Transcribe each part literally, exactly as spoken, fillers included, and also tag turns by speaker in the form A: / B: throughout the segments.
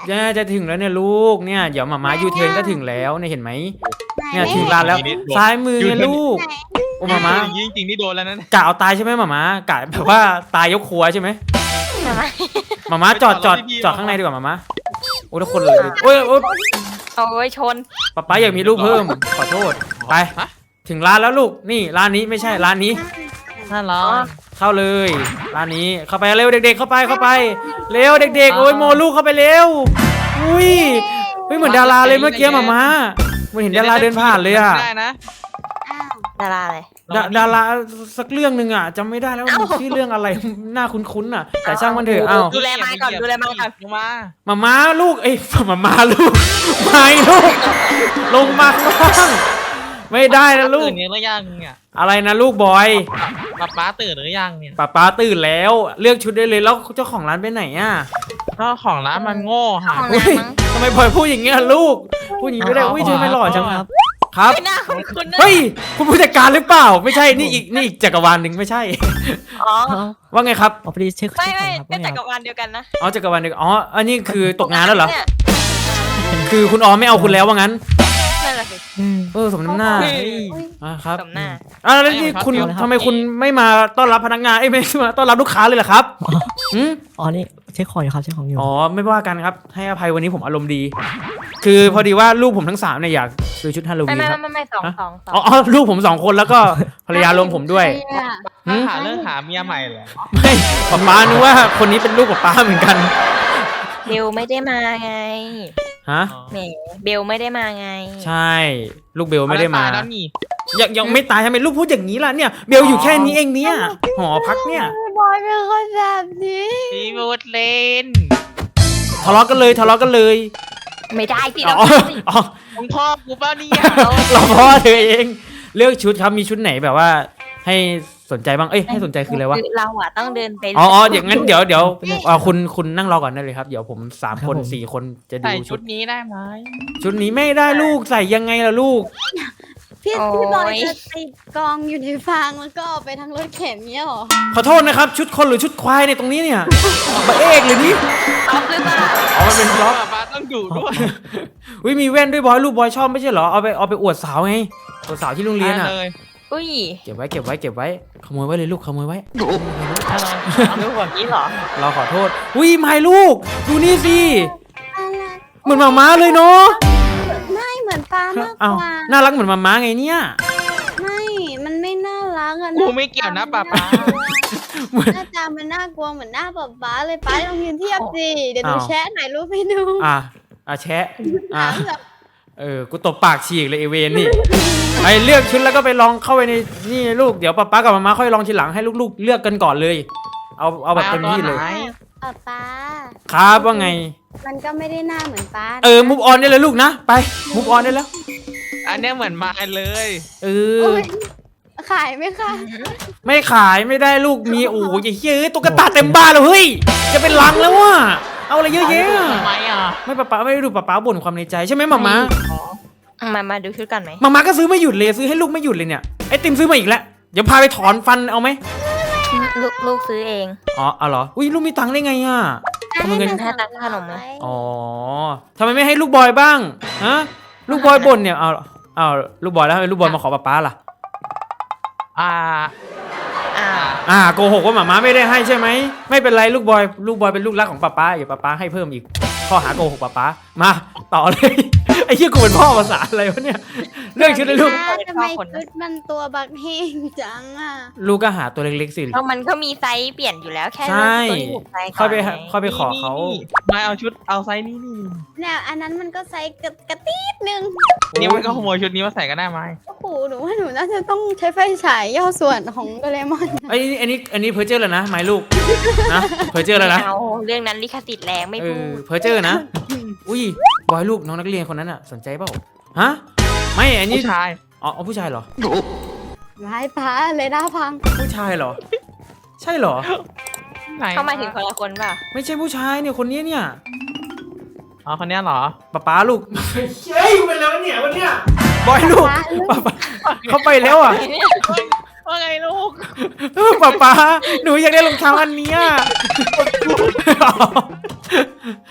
A: จะจะถึงแล้วเนี่ยลูกเนี่ยเดี๋ยวหมาม้ายูเทิร์นก็ถึงแล้วเนี่ยเห็นไหมเนี่ยถึงร้านแล้วซ้ายมือเนี่ยลูกโอ้หมาม้า
B: จริงจริงนี่โดนแล้วนะ
A: กะเอาตายใช่ไหมหมาม้ากะแบบว่าตายยกครัวใช่ไหมหมาม้าจอดจอดจอดข้างในดีกว่าหมาม้าโอ้ทุกคนเลยโอ้ยโอ้ย
C: เอาไว้ชน
A: ป๊าป๊าอยากมีลูกเพิ่มขอโทษไปถึงร้านแล้วลูกนี่ร้านนี้ไม่ใช่ร้านนี้
D: น่ารัก
A: เข้าเลยร้านนี้เข้าไปเร็วเด็กๆเข้าไปเข้าไปเร็วเด็กๆโอ้ยโมลูกเข้าไปเร็วอุ้ยเฮ้ยเหมือนดาราเลยเมื่อกี้หมาม้าเหมือนเห็นดาราเดินผ่านเลยอะ
B: ได้นะ
C: ดาราอะไร
A: ดาดาราสักเรื่องหนึ่งอะจำไม่ได้แล้วมันชื่อเรื่องอะไรน่าคุ้นๆอะแต่ช่างมันเถอะเอ้า
C: ดูแลมาก่อนดูแลมาก่อน
B: ลงมา
A: หมาม้าลูกเอ้ยหมาม้าลูกไม่ลูกลงมาข้างล่างไม่ได้นะลูก
D: ตื่นหรือยังเนี่ย
A: อะไรนะลูกบอย
D: ป๊าป๊าตื่นหรือยังเนี่ย
A: ป้าป้าตื่นแล้วเลือกชุดได้เลยแล้วเจ้าของร้านไปไหนอะ
D: ก็ของร้านมันโง่หา
C: ของ
A: อุ๊ย
C: น้ำมั้ง
A: ทำไมบอยพูดอย่างเงี้ยลูกพูดอย่างงี้ไม่ได้อุ้ยเธอไม่หล่อจังครับครับ
C: ไม่น่าคุณคุณนะ
A: เฮ้ยคุณผู้จัดการหรือเปล่าไม่ใช่นี่อีกนี่อีกจักรวาลหนึ่งไม่ใช่
C: อ๋อ
A: ว่าไงครับ
E: อ๋อพอดีเช็ค
C: ไม่
E: เช็ค
C: ไม่
E: ก่อนครับ
C: ก็
E: ว่าไง
C: จักรวาลเดียวกันนะ
A: อ๋อจักรวาลหนึ่งอ๋ออันนี้คือตกงานแล้วเหรอ
C: นี่ย
A: คือคุณออมไม่เอาคุณแล้วว่างั้น
C: นั่นแหละสิ
E: อืม
A: เออสมน้ำหน้า
C: เฮ้ย
A: อ่าครับ
C: สมหน้า
A: อ่าแล้วนี่คุณ
E: เอาเลยครับ
A: ทำไมคุณไม่มาต้อนรับพนักงานเอ้ยไม่มาต้อนรับลูกค้าเลยเหรอครับอืม
E: อ๋อนี่เช็คของอยู่ครับเช็คของอยู่
A: อ๋อไม่ว่ากันครับให้อภัยวันนี้ผมอารมณ์ดี คือพอดีว่าลูกผมทั้งสามเนี่ยอยากซื้อชุดฮาโล
C: ไม่
A: วีน
C: ไม่
A: ครับ
C: ไม่ไม่สองสองสอง
A: อ๋ออ๋อลูกผมสองคนแล้วก็ภรรยารวมผมด้วย หืม
D: หาเรื่องหาเมียใหม่เหรอ
A: ไม่ป๊าป๊านึกว่าคนนี้เป็นลูกป๊าป๊าเหมือนกัน
C: เบลไม่ได้มาไง
A: ฮะ
C: แหมเบลไม่ได้มาไง
A: ใช่ ลูกเบลไม่ได้มา
D: เอแล้วตยแล้วนี่
A: ยังยังไม่ตายทำไมลูกพูดอย่างนี้ล่ะเนี่ยเบลอยู่แค่นี้เองเนี่ยหอพักเนี่ย
F: บอยเป็นคนแบบนี้
D: พี่บูดเลน
A: ทะเลาะกันเลยทะเลาะกันเลย
C: ไม่ได้สิ
A: อ๋
C: เรา
A: อ
C: ทำสิ
A: อ๋อ
D: มึงพ่อกูเปล่าเนี่ย
A: เราพ่อเธอเองเลือกชุดครับมีชุดไหนแบบว่า ให้สนใจบ้างเอ้ยให้สนใจคืออะไรวะ
C: คือเราอะต้องเดินไป
A: อ๋ออ๋ออย่างนั้นเดี๋ยวเดี๋ยวอ่าคุณคุณนั่งรอก่อนได้เลยครับเดี๋ยวผมสามคนสี่คนจะดู
D: ใส่
A: ชุ
D: ชุ
A: ด
D: ดนี้ได้ไหม
A: ชุดนี้ไม่ได้ลูกใส่ยังไงล่ะลูก
F: พี่พี่บอยจะติดกองอยู่ในฟางแล้วก็เอาไปทั้งรถเข็นเนี้ยเหรอ
A: ขอโทษนะครับชุดคนหรือชุดควายในยตรงนี้เนี่ยบะเอกเลยนี่
C: เอาหรือเปล่า
A: อ๋อมันเป็นบล็อก
D: ป๊าป๊าต้องอยู่ด้วย
A: วิมีแว่นด้วยบอยลูกบอยชอบไม่ใช่เหรอเอาไปเอาไปอวดสาวไงอวดสาวที่โรงเรียนอ่ะ
D: ได้เลย
C: อุ้ย
A: เก็บไว้เก็บไว้เก็บไว้ขโมยไว้เลยลูกขโมยไว้
D: ได้เลยเอาลูกแบบนี้เหรอ
A: เราขอโทษวิไม่ลูกดูนี่สิ
F: อะไร
A: เหมือนหมาม้าเลยเนาะ
F: ไม่เหมือนปลามาก
A: เอา
F: กว่า
A: น่ารักเหมือนหมาม้าไงเนี่ย
F: ไม่ มันไม่น่ารักอะ
D: กูไม่เกี่ยวนะป๊าป๊า
F: หน้าตามันน่ากลัวเหมือนหน้าป๊าป๊าเลยป๊าลองยืนเทียบสิเดี๋ยวหนู
A: อ้าว
F: แชะถ่ายรูปให้ดู
A: อ่ะอ่ะแชะอ่ะ
F: ถามแบบ
A: เออกูตบปากฉีกเลยไอเวนนี่ไอเลือกชุดแล้วก็ไปลองเข้าไปในนี่ลูกเดี๋ยวป๊าป๊ากับมาม่าค่อยลองทีหลังให้ลูกๆเลือกกันก่อนเลย เอาเอาแบบเต็มที่เลย
D: ไหน
F: ป๊าป๊า
A: ครับว่าไง
F: มันก็ไม่ได้หน้าเหมือนป๊า
A: เออมุกออนได้เลยลูกนะไปมุกออนได้แล้ว
D: อันเนี้ยเหมือนมาเลย
A: เออ
F: โอ้ยขายไหมคะ
A: ไม่ขายไม่ได้ลูกมีโอ้ยอย่าเฮ้ยตุ๊กตาเต็มบ้านเลยเฮ้ยจะเป็นลังแล้วว่ะเอาอะไรเยอะแยะ
D: ทำไมอ่ะ
A: ไม่ป๊าป๊าไม่ได้ดูป๊าป๊าบ่นความในใจใช่ไหมมาม่า
C: มามาดูชุดกันไหม
A: มาม่าก็ซื้อไม่หยุดเลยซื้อให้ลูกไม่หยุดเลยเนี่ยไอติมซื้อมาอีกแล้วเดี๋ยวพาไปถอนฟันเอาไหม
C: ลูกลูกซื้อเอง
A: อ๋อเอาเหรออุ้ยลูกมีตังค์ได้ไงอ่ะทำไมเงิน
C: ให้ตังค์ขนมไหม
A: อ๋อทำไมไม่ให้ลูกบอยบ้างฮะลูกบอยบ่นเนี่ยเอาเอาลูกบอยแล้วทำไมลูกบอยมาขอป๊าป๊าล่ะ
D: อ่า
C: อ่า
A: อ่าโกหกว่าหมาม้าไม่ได้ให้ใช่ไหมไม่เป็นไรลูกบอยลูกบอยเป็นลูกรักของป๊าป๊าอย่าป๊าป๊าให้เพิ่มอีกข้อหาโกหกป๊าป๊ามาต่อเลย ไอ้เหี้ยกูเป็นพ่อภาษาอะไรวะเนี่ยเรื่องชุดเลยลูก
F: ป๊าทำไมชุดมันตัวบักเฮงจังอะ
A: ลูกก็หาตัวเล็กๆสิ
C: เพราะมันก็มีไซส์เปลี่ยนอยู่แล้วแค่
A: ใช่
C: เลือกตัวที่ถูกไซส์ก่
A: ค่อย
C: อน
A: ไป
C: ไง
A: ค่อยไปขอเขา
D: ไม่เอาชุดเอาไซส์นี้นี่
F: เนี่ยอันนั้นมันก็ไซส์กระกระตีดนึง
D: นี่มันก็ขโมยชุดนี้มาใส่ก็ได้ไหม
F: โอ้โหหนูว่าหนูน่าจะต้องใช้ไฟฉายย่อส่วนของโดเรมอน
A: ไอ้นี่อันนี้อันนี้เพอร์เจอร์แล้วนะไม้ลูกนะเพอร์เจอร์แล้วนะ
C: ไม่เอาเรื่องนั้นลิขสิทธิ์แรงไม่
A: เอ
C: พู
A: อ
C: ด
A: เพอร์เจอร์นะอุ้ยบอยลูกน้องนักเรียนคนนั้นอ่ะสนใจเปล่าฮะไม่อันนี้
D: ผู้ชาย
A: อ๋อเอาผู้ชายเหรอ
F: ร้ายป้าเลยด้าพัง
A: ผู้ชายเหรอ ใช่เหรอ
D: ไหน
C: เข้ามาถึงคนละคนป่ะ
A: ไม่ใช่ผู้ชายเนี่ยคนนี้เนี่ย
D: อ๋อคนเนี้ยเหรอ
A: ป๊าป๊าลูกเฮ้ยกูเป็นแล้วเนี่ยวันเนี้ยบอยลูกป๊าป๊าเขาไปแล้วอ่ะ
D: ว่าไงลูก
A: เออป๊าป๊าหนูอยากได้รองเท้าอันเนี้ย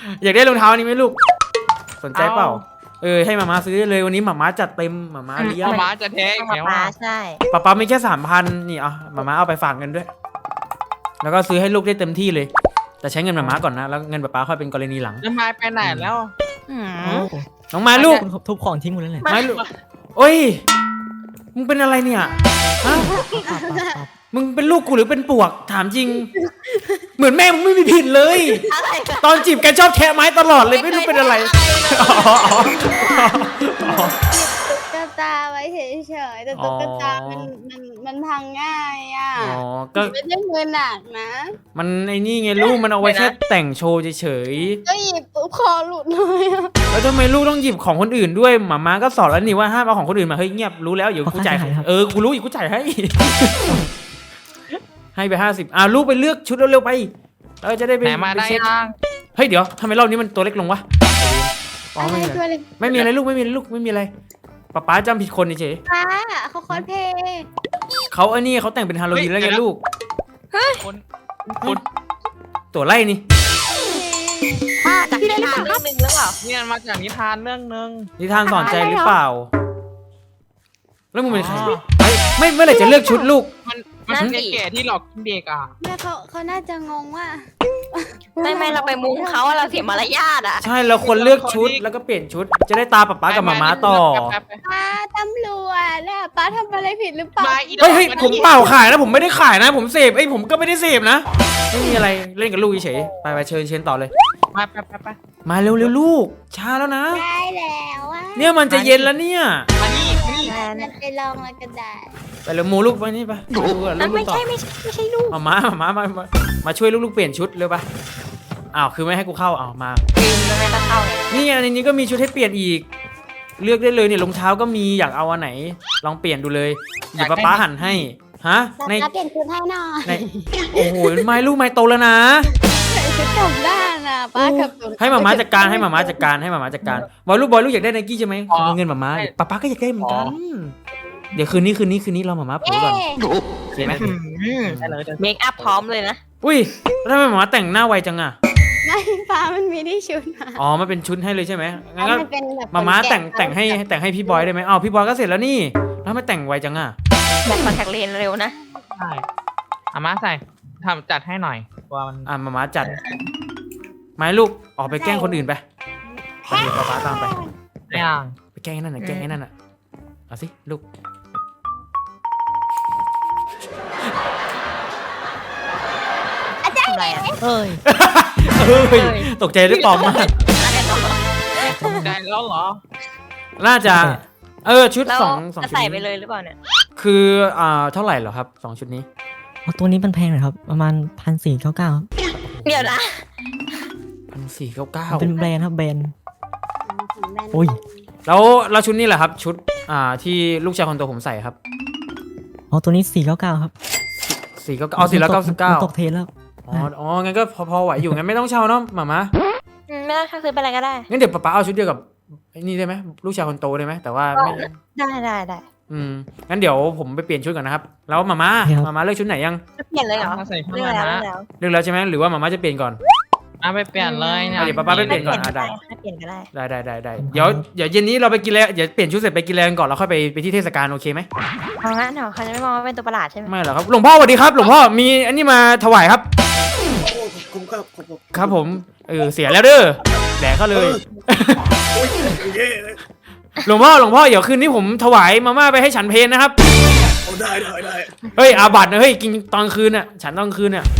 A: อยากได้รองเท้านี้ไหมลูก สนใจเปล่า เออให้หมาม้าซื้อเลยวันนี้หมาม้าจัดเต็มหมาม้าเลี้ยง
D: เอาม้าจะแท้อีก
C: มา
D: แล้ว
C: ปลา
D: อ่ะ
C: ใช่
A: ป๊าป๊ามีแค่สามพันนี่อ่ะหมาม้าเอาไปฝากเงินด้วย แล้วก็ซื้อให้ลูกได้เต็มที่เลย แต่ใช้เงินหมาม้าก่อนนะแล้วเงินป๊าป๊าค่อยเป็นกรณีหลัง
D: แล้วไม้ไปไหนแล้ว
C: อืม
E: โอ้
A: น้องไม้ลูก
E: คุณทุบของทิ้งหมดแล้วแหละ
A: ไม้ลูกโอ้ยมึงเป็นอะไรเนี่ยฮะ
E: ปับปับปับ
A: มึงเป็นลูกกูหรือเป็นปวกถามจริง เหมือนแม่มึงไม่มีผิดเลย
C: อะไรนะ
A: ตอนจีบแกชอบแทะไม้ตลอดเลยไม่รู้เป็นอะไร อ๋ออ๋ออ๋อ
F: ตุ๊กตาไว้เฉยๆแต่ตุ๊กตามันมันมันพังง่ายอ่ะ
A: อ๋อก็
F: ไม่ได้มือหนักนะ
A: มันไอ้นี่ไงลูกมันเอาไว้แค่แต่งโชว์เฉย
F: ก็หยิบปุ๊บคอหลุดเลยอะ
A: ๆแล้วทำไมลูกต้องหยิบของคนอื่นด้วยหมาม้าก็สอนแล้วนี่ว่าห้ามเอาของคนอื่นมาเฮ้ยเงียบรู้แล้วเดี๋ยวกูจ่ายเออกูรู้อีกกูจ่ายให้ ให้ไปห้าสิบอ่าลูกไปเลือกชุดเร็วๆไปเราจะได้ไป
D: ไหนมาได้
A: ปเช็ค
D: ยัง
A: เฮ้ยเดี๋ยวทำไมรอบนี้มันตัวเล็กลงวะอ๋อ
F: อะไร
A: ไม่มี
F: ตัว
A: อะไร
F: เล็ก
A: ไม่มีอะไรลูกไม่มีอะไรลูกไม่มีอะไรป๊าป๊าจำผิดคนเฉย
F: ป้าเขาคอสเพลย์
A: ๆเขาไอ้นี่เขาแต่งเป็นฮาโลวีนแล้วไงลูก
D: คนคุณ
A: ตัวไล่นี่
C: จากนิทานเรื่องหนึ่งหรือเปล่า
D: เนี่ยมาจากนิทานเรื่องหนึง
A: นิทานสอนใจหรือเปล่า แล้วมึงเป็นใคร
D: อ๋อ
A: ไม่ไม่เมื่อไหร่จะเลือกชุดลูก
D: มันมันเป็นแก่ที่หลอกเด็กอ่ะ
F: แม่เขาเขาน่าจะงงว่า
C: ไม่ไม่เราไปมุงเขาอะเราเสียมารยาทอ่ะ
A: ใช่เราควรเลือกชุดแล้วก็เปลี่ยนชุด จะได้ตาป๊าป๊ากับหมาม้าต่อ
D: แป๊บๆๆ
F: ป้าตำรวจน่ะป้าทำอะไรผิดหรือเปล่า
D: มาอีดอก
A: เฮ้ยเฮ้ยผมเปล่าขายนะผมไม่ได้ขายนะ ผมเสพไอ้ยผมก็ไม่ได้เสพนะไม่มีอะไรเล่นกับลูกเฉยๆไปไปเชิญเชิญต่อเลย
D: มาแป๊บๆๆ
A: มาเร็วเร็วลูกช้าแล้วนะ
F: ได้แล้วอ่ะ
A: เนี่ยมันจะเย็นแล้วเนี่ย
D: มานี่มานี่
F: มันไปลองแล้วก็ได้
A: ไปเร็วโมลูกไปนี่ไปดูก่อน
C: นั่น
A: ลู
C: ไม่
A: กๆต่อ
C: ใช่ไม่ใช่ไม่ใช่ลูก
A: มาม้ามาม้ามามามาช่วยลูกๆเปลี่ยนชุดเร็วปะอ้าวคือไม่ให้กูเข้าอ้าวมา
C: ลืมแล้วไม่ต้องเข้าเนี่ย
A: นี่ไงในนี้ก็มีชุดให้เปลี่ยนอีก เลือกได้เลยเนี่ยรองเท้าก็มีอยากเอาอันไหน ลองเปลี่ยนดูเลยเดี๋ยวป๊าป๊าหันให้ฮะ
F: ป้า
A: ใน
F: เปลี่ยนชุดให้หน่อย
A: ในโอ้โหไม้ลูกไม้โตแล้วนะ
F: ใส่ชุดกลับด้านน่ะป้ากับตุ๊ก
A: ให้หมาม้าจัดการให้หมาม้าจัดการให้หมาม้าจัดการบอยลูกบอยลูกอยากได้ไนกี้ใช่ไหมขอเงินหมาม้าป๊าป๊าก็อยากได้เหมือนกันเดี๋ยวคืนนี้คืนนี้คืนนี้เราหมาม้าเผลอก่อน
F: เอ๊ะ
A: โอเคไหม
D: ได้เลยได้เลย
C: เมคอัพพร้อมเลยนะ
A: อุ้ยแล้วทำไมหมาม้าแต่งหน้าไวจังอะ
F: ไม่ป้ามันมีที่ชุดมา
A: อ๋อมันเป็นชุดให้เลยใช่ไหมงั้นก็
F: มันเป็นแบบ
A: หมาม้าแต่ง
F: คนก่
A: แต่งให้แต่งให้พี่บอยได้ไหมอ้าวพี่บอยก็เสร็จแล้วนี่แล้วทำไมแต่งไวจังอะ
C: แบบคอนแทคเลนส์เร็วนะ
D: ใช่เอามาใส่ทำจัดให้หน่อยตัวมัน
A: อ่ะหมาม้าจัดไม้ลูกออกไปแกล้งคนอื่นไปไปเดี๋ยวป๊าป๊าตามไป
D: อย่าง
A: ไปแกล้งไอ้นั่นน่ะแกล้งไอ้นั่นน่ะเอาสิลูก
C: ทำอะไรอ่ะ
E: เอ้ย
A: เฮ้ยตกใจด้วยปลอมมาก
C: อะไรต่อ
D: ตกใจแล้วเหรอ
A: น่าจะ เออชุด
C: เรา
A: สองสอง
C: จะ
A: ชุด
C: ใส่ไป
A: นี้
C: เลยหรือเปล่าเนี่ย
A: คืออ่าเท่าไหร่เหรอครับสองชุดนี้
E: เอาตัวนี้มันแพงหน่อยครับ ประมาณพันสี่เก้าเก้า
C: เดี๋ยวนะ
A: พันสี่เก้าเก้า
E: เป็นแบรนด์ครับแบรนด์
F: ของแบรนด์
E: โอ้ย
A: แล้วแล้วชุดนี้แหละครับ ชุดอ่าที่ลูกชายคนโตผมใส่ครับ
E: เอาตัวนี้สี่เก้าเก้าครับ
A: สี่เก้าเอาสี่ร้อยเก้าสิบเก้า
E: ตกเทรนแล้ว
A: อ๋ออ๋องั้นก็พอพอไหวอยู่งั้นไม่ต้องเช่าเนาะหมามา
C: อืมไม่ต้องซื้อไปอะไรก็ได้
A: งั้นเดี๋ยวป๊าป๊าเอาชุดเดียวกับไอ้นี่ได้ไหมลูกชายคนโตได้ไหมแต่ว่าไม่
C: ได้ได้ได้
A: อืมงั้นเดี๋ยวผมไปเปลี่ยนชุดก่อนนะครับแล้วหมามาหมามาเลือกชุดไหนยัง
C: จะเปลี่ยนเลยเหรอ
D: มาใส่เข้า
C: เรื่อง
D: มา
C: แล้ว
D: นะ
C: เรื่องแล้ว
A: เลือกแล้วใช่ไหมหรือว่าหมามาจะเปลี่ยนก่อน
D: เอาไปเปลี่ยนเลยเนี่ย
A: เดี๋ยวป๊าป๊าไปเปลี่ยนก่อนอ่ะได้
C: ให้เปลี่ยนก็ได้
A: ได้ได้ได้ได้เดี๋ยวเดี๋ยวเย็นนี้เราไปกินแล้วเดี๋ยวเปลี่ยนชุดเสร็จไปกินแล้วกันก่อนแล้วค่อยไปไปที่เทศกาลโอเคไหม
C: เอางั้นเหรอเขาจะไม่มองว่าเป็นตัวประหลาดใช่ไหม
A: ไม่หรอกครับหลวงพ่อสวัสดีครับ หลวงพ่อมีอันนี้มาถวายครับ
B: ผมก็ผมก็
A: ครับผมเออเสียแล้วเด้อแดกเขาเลย
B: โอ้ยเย้
A: หลวงพ่อหลวงพ่อเดี๋ยวคืนนี้ผมถวายมาม่าไปให้ฉันเพลนะครับ
B: เอาได้ได้ได้
A: เฮ้ยอาบัตนะเฮ้ยกินตอนคืนน่ะฉันตอนคืนน่ะ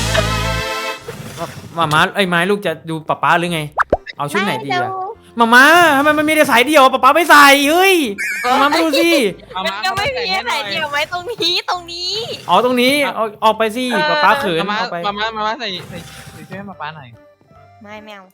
A: มาม่าไอ้ยไม้ลูกจะดูป๊าป๊าหรือไง เอาชุดไหนดีอะมาม่าทำไมมันมีแต่สายเดียวป๊าป๊าไม่ใส่เฮ้ยมาม่ามาดูสิ
D: เอา
C: มัน
D: มา
C: ก็ไม่มี
D: ใส่
C: อะไร
D: ให้หน่อย
C: เดียวไหมตรงนี้ตรงนี้
A: อ๋อตรงนี้เอาออกไปสิป๊าป๊าเขิน
D: เอามา
A: เอาไป
D: มามามามาใส่ใส่ใส่ช่วยให้มาป้าหน่อย
C: ไม่แมว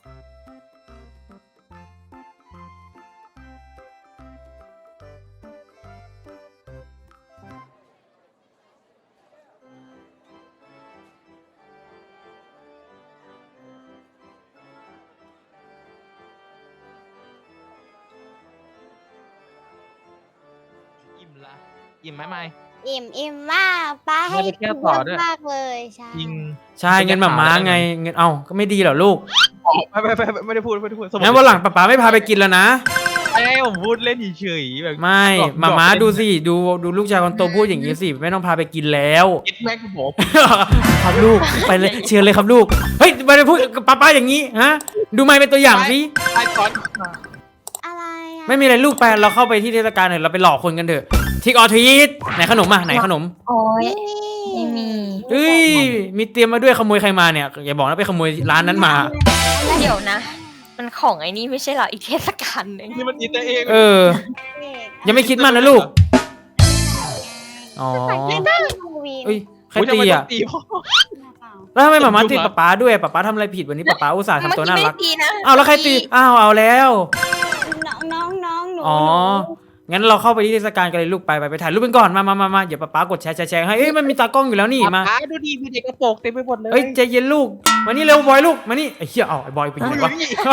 D: อิ่มละอิ่มไหมไม่
F: อิ่มอิ่มมากป้าให้
D: ไม่ไปเที่ยวต่อด้วย
F: มากเลยใช่
D: จริง
A: ใช่เงินหมาม้าไงเงินเอาก็ไม่ดีเหรอลูก
D: ขอไม่ไม่ไม่ไม่ได้พูดไม่ได้พูด
A: งั้นวันหลังป๊าป๊าไม่พาไปกินแล้วนะ
D: ไอ้ผมพูดเล่นเฉยๆแบบ
A: ไม่มาม้าดูสิดูดูลูกชายคนโตพูดอย่างนี้สิไม่ต้องพาไปกินแล้ว
D: คิดแม็กผม
A: ครับลูกไปเลยเชิญเลยครับลูกเฮ้ยไม่ได้พูดกับป๊าป๊าอย่างนี้ฮะดูไม่เป็นตัวอย่างสิ
D: ไอ้ก้อน
F: อะไรอ่ะ
A: ไม่มีอะไรลูกไปเราเข้าไปที่เทศกาลเถอะเราไปหลอกคนกันเถอะทิกออทีสไหนขนมอ่ะไหนขนม
C: โอ้ย
F: นี่
C: ไม่มี
A: เอ้ยมีเตรียมมาด้วยขโมยใครมาเนี่ยอย่าบอกนะไปขโมยร้านนั้นมา
C: เดี๋ยวนะ มันของไอ้นี่ไม่ใช่เหรออีกเทศกาลหนึง
D: นี่มันอินเตอร์เอง
A: เออ ยังไม่คิดมันนะลูกอ๋อ
F: ไม่ได้ดูวี
A: เอ้ยใครตีอ่ะ
D: ตีพ่อ
A: แล้วทำไมหมาม้าตีป๊าป๊าด้วยป๊าป๊าทำอะไรผิดวันนี้ป๊าป๊าอุตส่าห์
C: เมื่อ
A: ทำตัว
C: กี้
A: น่า
C: ไม่
A: รัก
C: ตีนะ
A: อ้าวแล้วใครตีอ้าวเอาแล้ว
F: น้องน้องน้องหนู
A: อ๋อ งั้นเราเข้าไปที่เทศกาลกันเลยลูกไปไปไปถ่ายรูปกันก่อนมามามามาเดี๋ยวป๊าป๊ากดแชร์แชร์แชร์ให้เอ้ยมันมีตากล้องอยู่แล้วนี่มา
D: ป๊าดูดีมีเด็กกระโปรงเต็มไปหมดเลย
A: เอ้ยใจเย็นลูกมานี่เร็วบอยลูกมานี่ไอ้เหี้ยเอาไอ้บอยไปไหนวะ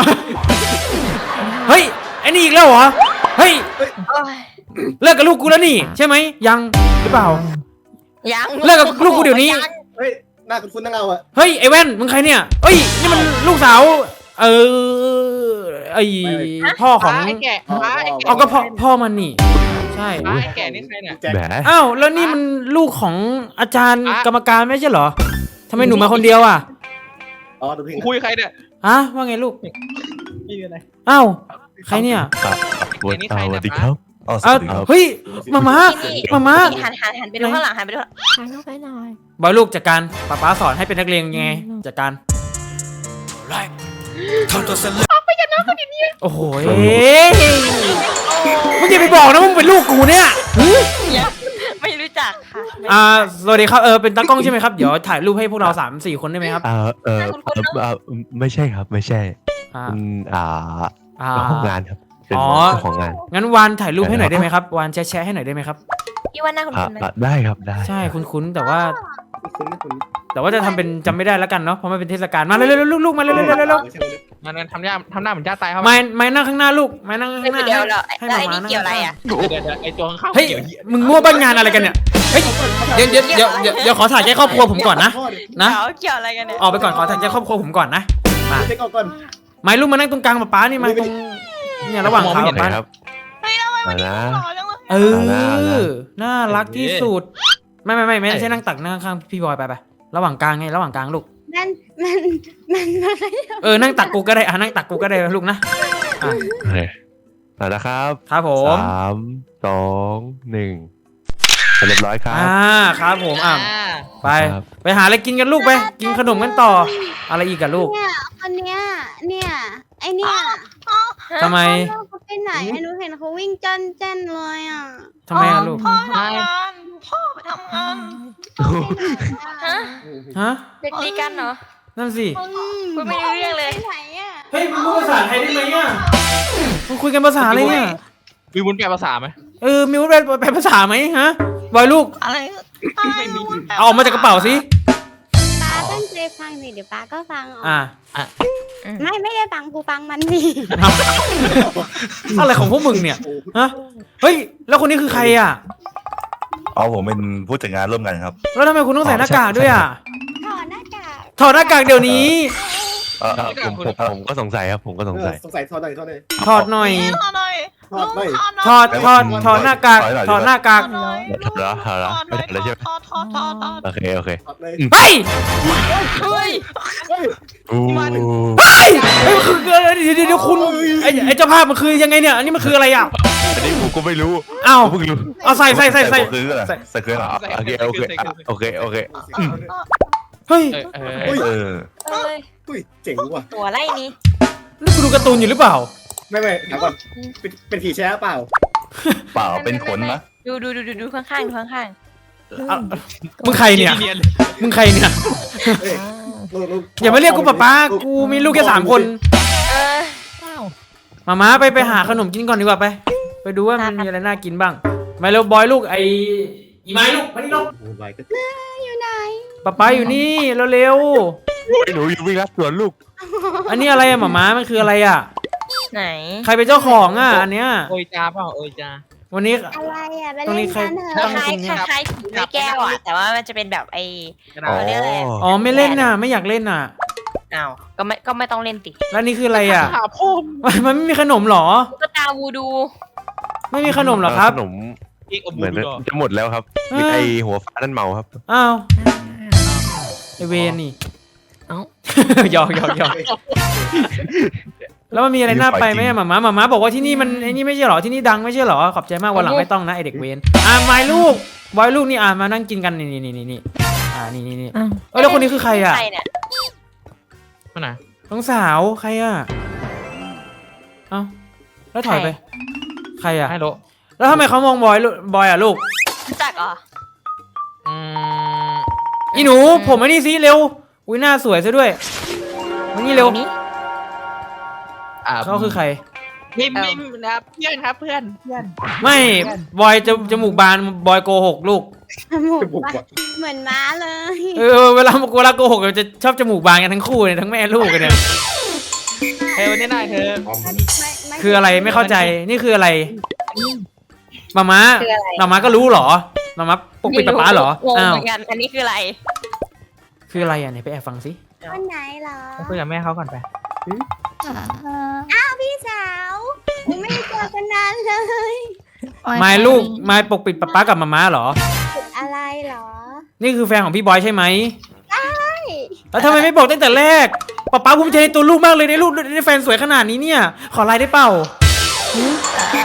A: เฮ้ยไอ้นี่อีกแล้วเหรอเฮ้ย
C: โอ้ย
A: เลิกกับลูกกูแล้วนี่ใช่ไหมยังหรือเปล่า
C: ยัง
A: เลิกกับลูกกูเดี๋ยวนี้
C: ง
B: เฮ้ยหน้าคุ้นๆนั่งเอาอะ
A: เฮ้ยไอ้แว่นมึงใครเนี่ยเอ้ยนี่มันลูกสาว เออไอ้พ่อของ
D: ไอ้แก่ป๊าไอ้แก่
A: เอาก็พ่อพ่อมันนี่ใช่
D: ป๊าไอ้แก่นี่ใครเนี่ย
B: แจ็ค
G: แหม
A: อ้าวแล้วนี่มันลูกของอาจารย์
D: อ่ะ
A: กรรมการไม่ใช่เหรอทำไมหนูมาคนเดียวอ่ะ
B: อ๋อดูเพลง
D: คุยใครเนี่ย
A: ฮะว่าไงลูก
D: นี่อะไร
A: อ้าวใครเนี่ย
G: ครับสวัสดีสวัสดีครับอ๋อส
A: อ้าว
G: วัสดีครับ
A: เฮ้ยมามา
C: นี่
A: มามา
C: นี่หันหันหันไปดูข้างหลังหันไปดูข้างหลัง
E: ถ่ายรูปไปหน่อย
A: บอยลูกจัดการป๊าป๊าสอนให้เป็นนักเรียนยังไงจัดการโอ้โหเอ้ยมึงอย่าไปบอกนะมึงเป็นลูกกูเนี่ยหึ
C: ไม่รู้จักค่ะไม่
A: อ่าสวัสดีครับเออเป็นตากล้องใช่ไหมครับเดี๋ยวถ่ายรูปให้พวกเราสามสี่คนได้ไหมครับ
G: เอ่อเออเอ่อเอ่อไม่ใช่ครับไม่ใช่
A: อ่า
G: อืมอ่า
A: อ่า
G: เจ้าของงานครับเป็น
A: อ๋อ
G: เจ้าของงาน
A: งั้นวานถ่ายรูปให้หน่อยได้ไหมครับวานแชร์แชร์ให้หน่อยได้ไหมครับ
C: พี่ว่าหน้าคุณ
G: อ่า
C: คุณไหม
G: อ่าได้ครับได้
A: ใช่คุ้นๆแต่ว่า
B: คุ้นๆคุ้น
A: แต่ว่าจะทำเป็นจำไม่ได้แล้วกันเนาะเพราะมันเป็นเทศกาลมาเร็วๆลูกๆมาเร็วๆเร็วๆ
B: ใช่ไหม
D: มันทำหน้าทำหน้าเหมือนจ้าตายเขา
A: ๆไม่ไม่นั่งข้างหน้าลูกไม่นั่งข้างหน้า
C: เดี๋ยวเรา
A: ให้
C: แล้ว
A: มา
C: ไอ้
A: มา
C: นี่
A: นั่ง
C: เกี่ยวอะไรอ่ะ
D: เดี๋ยวเดี๋ยวไอ้ตัวข้างๆ
A: เฮ้ย
D: เกี่ยวเหี้ย
A: มึงมั่วบ้านงานอะไรกันเนี่ยเฮ้ยเดี๋ยวเดี๋ยวเดี๋ยวเดี๋ยวเดี๋ยวขอถ่ายแค่ครอบครัวผมก่อนนะ
B: พ่อดิ
A: นะ
C: เดี๋ยวเกี่ยวอะไรกันเนี่ย
A: ออกไปก่อนขอถ่ายแค่ครอบครัวผมก่อนนะ
B: เช็คเอาก่อน
A: ไม่ลูกมานั่งตรงกลางป๊าป๊านี่มาตรงเนี่ยระหว่างขา
G: เห็นไหม
A: ป๊า
G: ครับเอานะ
A: เอ
G: เอาละเอาละ
A: อน่ารักที่สุดไม่ไม่ไม่ไม่ใช่นั่งตักนั่งข้างพี่บอยไปไประหว่างกลางไงระหว่างกลางลูก
F: มันมันมันมัน
A: เออนั่งตักกูก็ได้อ่ะนั่งตักกูก็ได้ลูกนะอ่ะ
G: โอเคเอาละครับ
A: ครับผม
G: สามสองหนึ่งเรียบร้อยครับ
A: อ่าครับผมอ่ะ
D: อ่า
A: ไป
G: ครับ
A: ไปหาอะไรกินกันลูกไปกินขนมกันต่อ อะไรอีกอะลูก
F: เนี่ยคนเนี้ยเนี่ยไอเนี่ย
A: ทำไม
F: เขาไปไหนไอ้หนูเห็นเขาวิ่งจ้นเจ้นเลยอ่ะ
A: ทำไมอะลูก
C: พ่อทำงานพ่อไปทำงานฮะ
A: ฮะ
C: เด็กตีกันเหรอ
A: นั่นสิ
C: พูดไม่รู้เรื่องเลย
F: ไปไหนอ่ะ
A: เฮ้ยมึงพูดภาษาไทยได้ไหมอ่ะมึงคุยกันภาษาอะไรเนี่ย
D: มีวุ้นแปลภาษาไหม
A: เออมีวุฒิแปลแปลภาษาไหมฮะบอยลูก
C: อะไร
D: ไม่มี
A: เอาออกมาจากกระเป๋าสิ
F: ป้าตั้งใจฟังสิเดี๋ยวป้าก็ฟังออก
A: อ่า
F: ไม่ไม่ได้ฟังกูฟังมันนี่
A: อะไรของพวกมึงเนี่ย
B: โอ้
A: ฮะเฮ้ยแล้วคนนี้คือใครอ่ะ
H: อ๋อผมเป็นผู้จัดงานร่วมกันครับ
A: แล้วทำไมคุณต้องใส่หน้ากากด้วยอ่ะ
F: ถอดหน้ากาก
A: ถอดหน้ากากเดี๋ยวนี้
H: เออ
G: เอ่อผมผมผมก็สงสัยครับผมก็สงสัย
B: สงสัยทอดหน่อยทอดหน่อย
A: ถอดหน่อย
B: ทอดหน่อย
A: ถอดถอดถอดหน้ากากถอดหน้ากาก
G: ถอดแล้วถอดแล้วไม่ถอดแล้วใช่ไหมโอเคโอเค
B: ทอดเลย
A: เฮ้ย
C: เฮ้ย
B: เฮ้ย
G: อู้
A: เฮ้ยเฮ้ยมันคือเดี๋ยวเดี๋ยวเดี๋ยวคุณไอ้ไอ้เจ้าภาพมันคือยังไงเนี่ยอันนี้มันคืออะไรอ่ะ
G: อันนี้ผมก็ไม่รู้
A: เอ้า
G: ผมเพิ่งรู้
A: เอาใส่ใส่ใส่ใส่
H: หัวคืออะไรใส่คืออะไร
G: โอเคโอเคอ่ะโอเคโอเค
A: เฮ้ย
D: เออเออ
H: เออ
C: เอ้ย
B: อุ้ยเจ๋งว่ะ
C: ตัวอะไรนี่
A: นี่กูดูการ์ตูนอยู่หรือเปล่า
B: ไม่ไม่ถามก่อนเป็นเป็นผีแช่เปล่า
H: เปล่าเป็นขนนะ
C: ดูดูดูดูดูข้างๆดูข้าง
A: อ่ะมึงใครเนี่ย
D: เนียน
A: มึงใครเนี่ย
B: เฮ้ยลูกลูก
A: อย่ามาเรียกกูป๊าป๊ากูมีลูกแค่สามคน
C: ๆเออ
A: มาม้าไปไปหาขนมกินก่อนดีกว่าไป ไปดูว่ามันมีอะไรน่ากินบ้างมาเร็วบอยลูกไออีไม้ลูกมานี่ลูก
B: โอ้ยก็
F: อยู่ไหน
A: ป๊าป๊าอยู่นี่เร็ว
G: ไอ้หนูอยู่วิ่งรัดสวนลูก
A: ๆอันนี้อะไรอะหมาม้ามันคืออะไรอะ
C: ไหน
A: ใครเป็นเจ้าของอะอันเนี้ย
D: โอยจ้าเปล่าโอยจ้า
A: วันนี้
F: อะไรอ่ะไป
A: ตรงนี้
F: เล่น
A: ใคร
F: กันเถ
C: ค
F: อะ
C: ล้ายๆคล้ายๆผีไม่แก้วอ่ะแต่ว่ามันจะเป็นแบบไอ้
D: กระดา
G: อ๋อ
D: ษ
C: เรียกอะไร
A: อ๋อไม่เล่นน่ะ ไม่อยากเล่นน่ะ
C: อ้าวก็ไม่ก็ไม่ต้องเล่นติ
A: แล้วนี่คืออะไรอ่ะ
D: หาพ่อ
A: มันไม่มีขนมเหรอ
C: ก็ตาวูดู
A: ไม่มีขนมเหรอครับ
G: ขนม
D: เอกอ
G: เห
D: บู
G: มือน
D: ดูดอ
G: จะหมดแล้วครับ
A: เออ
G: มีไอหัวฟ้านั่นเมาครับ
A: อ้าวไอเวนนี่
E: เอ้า
A: หยอกหยอกหยอกแล้วมันมีอะไรน่าไปไหมอะหมาม้าหมาม้าบอกว่าที่นี่มันไอ้นี่ไม่ใช่เหรอที่นี่ดังไม่ใช่เหรอขอบใจมากวันหลังไม่ต้องนะไอเด็กเวนอ่าไม้ลูกบอยลูกนี่อ่ามานั่งกินกันนี่นี่นี่นี่อ่านี่นี่นี่
E: อ้าว
A: เออแล้วคนนี้คือใครอ่ะ
C: ใครเนี่ย
D: มาไหน
A: น้องสาวใครอ่ะเอ้าแล้วถอยไป ใครอ่ะ
D: ให้โล
A: แล้วทำไมเขามองบอยลูกบอยอ่ะลูก
C: รู้จักเหรอ
D: อืม
A: อีหนูผมไอ้นี่สิเร็วอุ้ยหน้าสวยซะด้วยมานี่เร็ว
C: นี่
D: อ่า
A: เขาคือใคร
D: มิมมิมนะครับเพื่อนครับเพื่อนเพื่อน
A: ไม่บอยจะจมูกบานบอยโกหกลูก
F: จมูก
B: บุก
F: ปะ
B: ว่ะ
F: เหมือนม้าเลย
A: เออเวลาเวลาโกหกเราจะชอบจมูกบานกันทั้งคู่เลยทั้งแม่ลูกกันเนี่ย
D: เฮ้ยวันนี้นายเธอ
F: ไม่ม่
A: คืออะไรไม่เข้าใจนี่คืออะไรมาม้า
C: คืออะไร
A: มาม้าก็รู้เหรอมาม้าปกปิดป๊าป๊าเหรอง
C: ง
A: อ้าว
C: เหมือนกันอันนี้คืออะไร
A: คืออะไรอ่ะไหนไปแอบฟังสิ
F: วันไหนเหรอ
D: ไปคุยกับแม่เขาก่อนไป
F: อ้าวพี่สาวไม่ได้เจอกันนานเลย
A: ไม้ลูกไม้ปกปิดป๊าป๊ากับมาม้าเหรอ
F: อะไรเหรอ
A: นี่คือแฟนของพี่บอยใช่ไหมใช่แล้วทำไมไม่บอกตั้งแต่แรกป๊าป๊าภูมิใจในตัวลูกมากเลยได้ลูกได้แฟนสวยขนาดนี้เนี่ย ขอไลน์ได้เปล่าหือ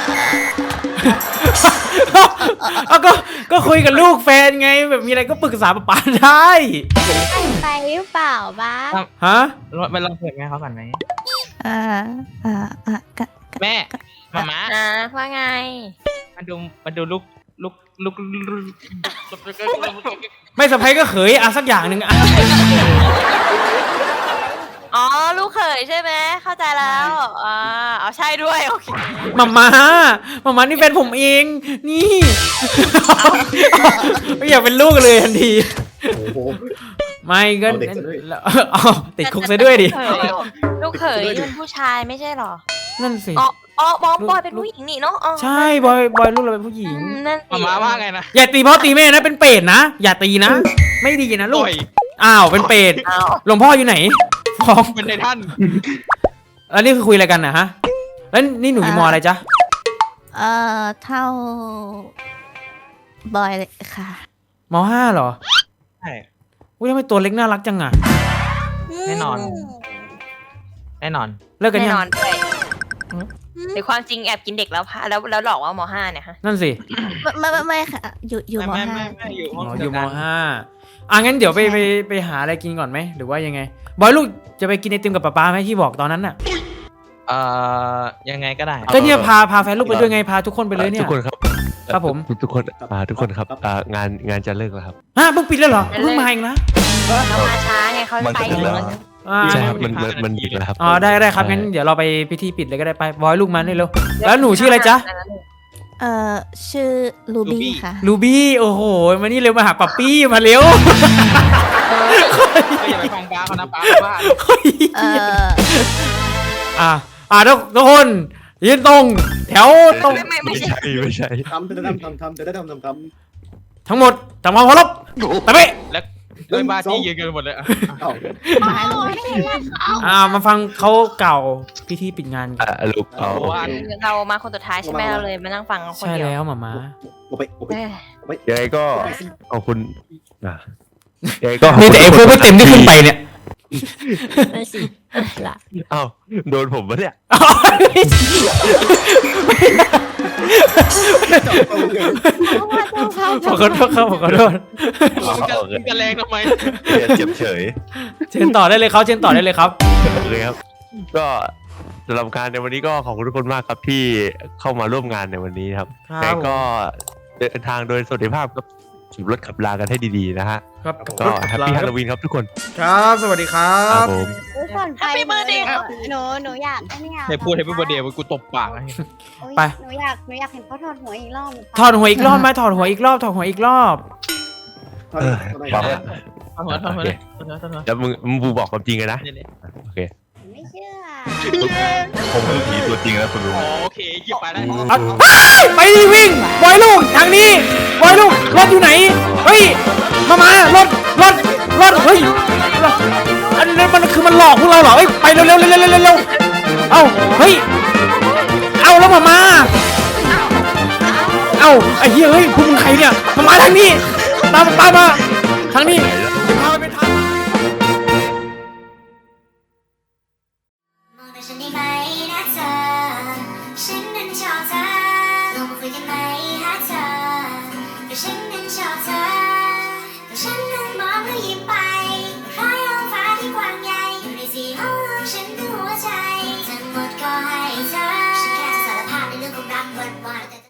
A: เอาก็ก็คุยกับลูกแฟนไงแบบมีอะไรก็ปรึกษาป๊าป๊าได้
F: ไปหรือเปล่าบ้า
A: ฮะ
D: ไปลองคุยกับแม่เขาก่อนไหม
I: อ่าอ่าอ่ากะ
D: แม่มาม่า
C: อ่าว่าไง
D: มาดูมาดูลูกลูกลูก
A: ไม่สะพายก็เขยอ่ะสักอย่างหนึ่งอ่ะ
C: อ๋อลูกเขยใช่ไหมเข้าใจแล้วอ่าเอาใช่ด้วยโอเค
A: มามามามานี่แฟนผมเองนี่ไม่อยากเป็นลูกเลยทันที
B: โอ้โห
A: ไม่ก็
B: เอาเด็กซะด้วย
A: เอาติดคุกซะด้วยดิ
C: ลูกเขยเป็นผู้ชายไม่ใช่เหรอ
A: นั่นสิ
C: อ๋ออ๋อบอยบอยเป็นผู้หญิงนี่เนาะอ๋อ
A: ใช่บอยบอยลูกเราเป็นผู้หญิง
C: อืมนั่นสิ
D: มาม่าว่าไงนะ
A: อย่าตีพ่อตีแม่นะเป็นเปรตนะอย่าตีนะ ไม่ดีนะลูก
D: ต่อย
A: อ้าวเป็นเปรต
C: อ้าว
A: หลวงพ่ออยู่ไหนฟ้อง
D: เป็นในท่าน
A: แล้วนี่คือคุยอะไรกันนะฮะแล้วนี่หนูอยู่มออะไรจ๊ะ
I: เอ่อเท่า บอยเลยค่ะ
A: มห้าเหรอ
D: ใช่
A: อุ้ยทำไมตัวเล็กน่ารักจังอ่ะ
D: แน่นอน แน่นอน
A: เลิกกัน
C: แน่
A: ยัง
C: นอนด้วยในความจริงแอบกินเด็กแล้วพาแล้วแล้วหลอกว่ามห้าเนี่ยฮะ
A: นั่นสิ
I: ไม่ไม่ไม่ไม่ค่ะ อยู่อยู่ม
D: ไม่
I: ห้า
D: ไม่ไม่อยู่ห้
A: อ๋
D: อง
A: ออ
D: เดี
A: ยู่
D: ว
A: ม
D: กัน
A: ห้าอ่ะงั้นเดี๋ยวไปไปไปหาอะไรกินก่อนไหมหรือว่ายังไง บอยลูกจะไปกินไอติมกับป๊าป๊าไหมที่บอกตอนนั้นน่ะ
D: เอ่อยังไงก็ได้
A: ก็เนี่ยพาพาแฟนลูกไปด้วยไงพาทุกคนไปเลยเนี่
G: ทุ
A: ย
G: กคนครับ
A: ครับผม
G: ทุกทุกคนอ่าทุกคนครับอ่างานงานจะเลิกแล้วครับ
A: ฮะเพิ่งปิดแล้วเหรอเพิ่งมาเองนะ
C: เรามาช้าไงเขา
H: มัน
C: ไป
H: จะถึงแล้ว
A: อ่า
G: ใช่ครับมันมันมันดึกแล้วครับ
A: อ๋อได้ได้ครับงั้นเดี๋ยวเราไปพิธีปิดเลยก็ได้ไปบอยลูกมานี่เร็วแล้วหนูชื่ออะไรจ๊ะ
I: เอ่อชื่อลูบี้ค่ะ
A: ลูบี้โอ้โหมานี่เร็วมาหาป๊าปี้มาเร็ว
D: ก็อย่าไปฟังป้าเขานะป้าว่า
I: เอ่อ
A: อ่ะอ่ะทุกทุกคนยืนตรง แถวตรง
C: ไม่ไม่ไม่
G: ไม่
C: ใช่
G: ใช่ไม่ใช่
B: ทำทำทำทำทำทำทำทำ
A: ทั้งหมดทำความเคารพไปไป
D: แล้วด้วยบ้าที่ยืนกันหมดเลยอะ
B: เอ้า
A: อ่ามาฟังเขาเก่าพิธีปิดงานกัน
G: อ่าลูกเอาโอเค
C: เรามาคนสุดท้ายใช่ไหมเราเลยมานั่งฟังคน
A: ใช่
C: เดียว
A: แล้วหมาม้า
B: โอ้ไปโอ้ไป
C: เอ้ย
B: โอ้ไป
G: ยังไงก็ขอบคุณอ่ะยังไงก็
A: มีแต่ไอ้พวกไม่เต็มที่ขึ้นไปเนี่ย
E: นั่นสิละ
G: เอ้าโดนผมปะเนี่ย
B: จับตรงเลย
A: ขอโทษครับขอโทษ
D: มึงจะมึงจะแรงทำไม
H: เจ็บเฉย
A: เชิญต่อได้เลยครับเชิญต่อได้เลยครับ
G: โอเคครับ ก็สำหรับการในวันนี้ก็ขอบคุณทุกคนมากครับที่เข้ามาร่วมงานในวันนี้ครับ
A: ครับ
G: แต่ก็เดินทางโดยสวัสดิภาพครับขี่รถขับลากันให้ดีๆนะฮะ
A: ครับ
G: ก็แฮปปี้ฮาโลวีนครับทุกคน
A: ครับสวัสดีครั
G: ครับ บผม
F: ก่อนไป
C: Happy birthday
F: หนูหนูหนูอยากไอ้เนี่ย
D: ให้พูดให้พี่บเดียวกูตบปากให้
F: โอ๊ย
A: ไป
F: หนูอยากหนูอยากเห็นเขาถอดหัวอีกรอบ
A: ถอดหัวอีกรอบไหมถอดหัวอีกรอบถอดหัวอีกรอบ
B: ทำไมทำไม
D: ทำหัวทำหัวเลยทำหัวทำหัว
G: แล้วมึงมึงบูบอกความจริงกันนะ
D: เนี่ย
G: โอเค
F: ไม่เชื่อ
H: ผมคือผีตัวจริงนะคุณลุง
D: อ๋อโอเคหยิบไปได้
A: อ่ะเฮ้ยไปดิวิ่งบอยลูกทางนี้บอยลูกรถอยู่ไหนเฮ้ยมามารถรถรถเฮ้ยรถอันมันมันคือมันหลอกพวกเราเหรอเอ้ยไปเร็วเร็วเร็วเร็วเร็วเร็วเอ้าเฮ้ยเอาแล้วมามาเอ้าไอ้เหี้ยเฮ้ยพวกมึงใครเนี่ยมามาทางนี้ตามตามมาทางนี้
H: ไหน